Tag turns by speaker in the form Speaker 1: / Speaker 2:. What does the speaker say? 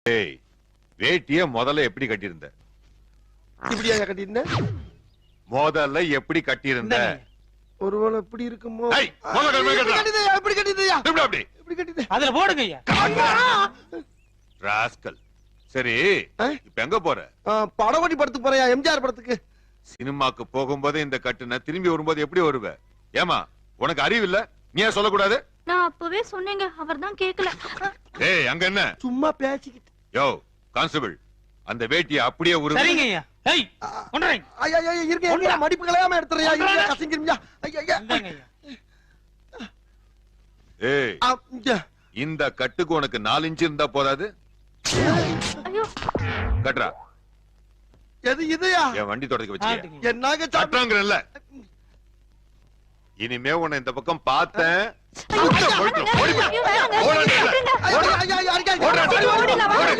Speaker 1: ஏய், வேட்டிய முதல்ல எப்படி கட்டியிருந்த?
Speaker 2: இப்படியா கட்டிருந்த?
Speaker 1: முதல்ல எப்படி கட்டியிருந்த?
Speaker 2: ஒருவேளை எப்படி இருக்குமோ?
Speaker 1: ஏய், முதல்ல கட்டுடா.
Speaker 2: எப்படி கட்டிதயா? எப்படி கட்டிதயா?
Speaker 1: இப்படி அப்படி.
Speaker 2: எப்படி கட்டித?
Speaker 3: அதுல போடுங்க ஐயா.
Speaker 1: ராஸ்கல். சரி,
Speaker 2: ஆ?
Speaker 1: இப்ப எங்க போற?
Speaker 2: படகோட்டி படத்துக்கு போறியா? எம்ஜிஆர் படத்துக்கு.
Speaker 1: சினிமாக்கு போகும்போது இந்த கட்டுன, திரும்பி வரும்போது எப்படி வருவ? ஏமா, உனக்கு அறிவு இல்ல? நீ ஏன் சொல்லக்கூடாது?
Speaker 4: நான் அப்பவே சொன்னேங்க, அவர்தான் கேக்கல.
Speaker 1: ஏய், அங்க என்ன?
Speaker 2: சும்மா பேசிக்கிட்டு.
Speaker 1: யோ கான்ஸ்டபிள், அந்த வேட்டிய அப்படியே
Speaker 3: சரிங்க ஐயா. ஏய், கொண்டுறேன்.
Speaker 2: ஐயா இருங்க மடிப்பு கலையாம எடுத்துறியா? இருங்க கசங்கிருமியா. ஐயா
Speaker 3: இந்தாங்க ஐயா.
Speaker 1: ஏய், இந்த கட்டுக்கு உனக்கு 4 இன்ச் இருந்தா போதாது?
Speaker 4: ஐயோ,
Speaker 1: கட்டுறா.
Speaker 2: எது இதுயா?
Speaker 1: என் வண்டி தொடக்க வச்சு
Speaker 3: ஆட்டுங்க.
Speaker 2: என்னாக
Speaker 1: கட்டுறாங்கல்ல. இனிமே உன்னை இந்த பக்கம் பார்த்தேன்.
Speaker 4: ஐயோ, வேணாங்க. ஐயோ, வேணாங்க.
Speaker 1: ஓடாதே.
Speaker 4: விட்டுருங்க.
Speaker 2: ஐயா
Speaker 1: ஓடாதே.
Speaker 4: ஓடிடலாம், வாங்க.